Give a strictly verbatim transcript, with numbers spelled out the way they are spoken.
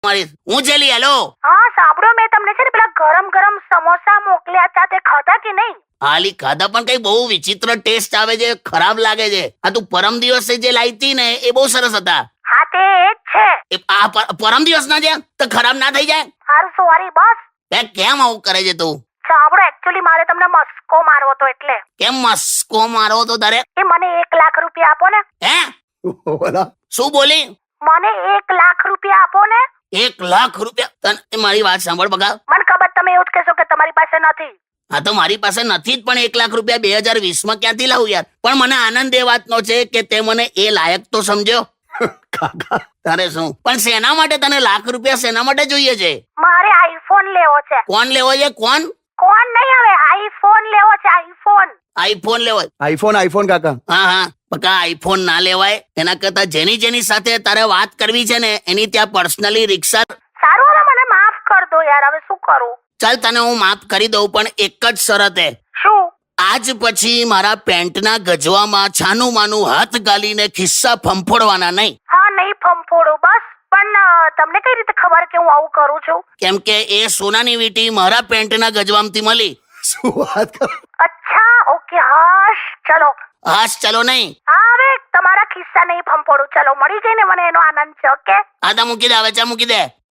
મારી હું ચલી હેલો હા સાંભળો, મેં તમને છે ને પેલા ગરમ ગરમ સમોસા મોકલ્યા હતા, તે ખાધા કે નહીં? હાલી ખાધા પણ કઈ બહુ વિચિત્ર ટેસ્ટ આવે છે, ખરાબ લાગે છે. આ તું પરમ દિવસે જે લાવી હતી ને એ બહુ સરસ હતા. હા તે જ છે. એ આ પર- પરમ દિવસ ના છે તો ખરાબ ના થઈ જાય? હારું સોરી બસ. એ કેમ આવું કરે છે તું? સાંભળો, એકચ્યુઅલી મારે તમને મસ્કો મારવો તો એટલે. કેમ મસ્કો મારો તો તારે? એ મને એક લાખ રૂપિયા આપો ને. હે શું બોલી? મને એક લાખ રૂપિયા આપો ને. એક લાખ રૂપિયા? તને મારી વાત સાંભળ બગા. મને ખબર તમે એવું જ કહેશો કે તમારી પાસે નથી. હા તો મારી પાસે નથી જ, પણ એક લાખ રૂપિયા બે હજાર વીસ માં ક્યાંથી લાવું યાર? પણ મને આનંદ એ વાતનો છે કે તે મને એ લાયક તો સમજ્યો. તારે શું પણ શેના માટે તને લાખ રૂપિયા શેના માટે જોઈએ છે? મારે આઈફોન લેવો છે. કોણ લેવો છે? કોણ કોણ નહીં, હવે આઈફોન લેવો છે. આઈફોન આઈફોન લેવો? આઈફોન આઈફોન કાકા. હા હા પક્કા આઈફોન ના લેવાય. એના કરતા જેની જેની સાથે તારે વાત કરવી છે ને એની ત્યાં પર્સનલી રિક્ષા. સારું, હવે મને માફ કર દો યાર, હવે શું કરું? ચાલ તને હું માફ કરી દઉં, પણ એક જ શરતે. શું? આજ પછી મારા પેન્ટના ગજવામાં છાનું માનું હાથ ગાલીને ખિસ્સા ફંફોડવાના નહીં. હા નહીં ફંફોડો બસ. પણ અ, તમને કઈ રીતે ખબર કે હું આવું કરું છું? કેમ કે એ સોનાની વીંટી મારા પેન્ટના ગજવામથી મળી. શું વાત કરો? અચ્છા ઓકે, હાશ ચલો. હાશ ચલો નહીં. હા હવે તમારા ખિસ્સા નહીં ફંફોડું. ચલો, મળી ગઈ ને મને એનો આનંદ છે. ઓકે આ તો મૂકી દે, હવે ચા મૂકી દે.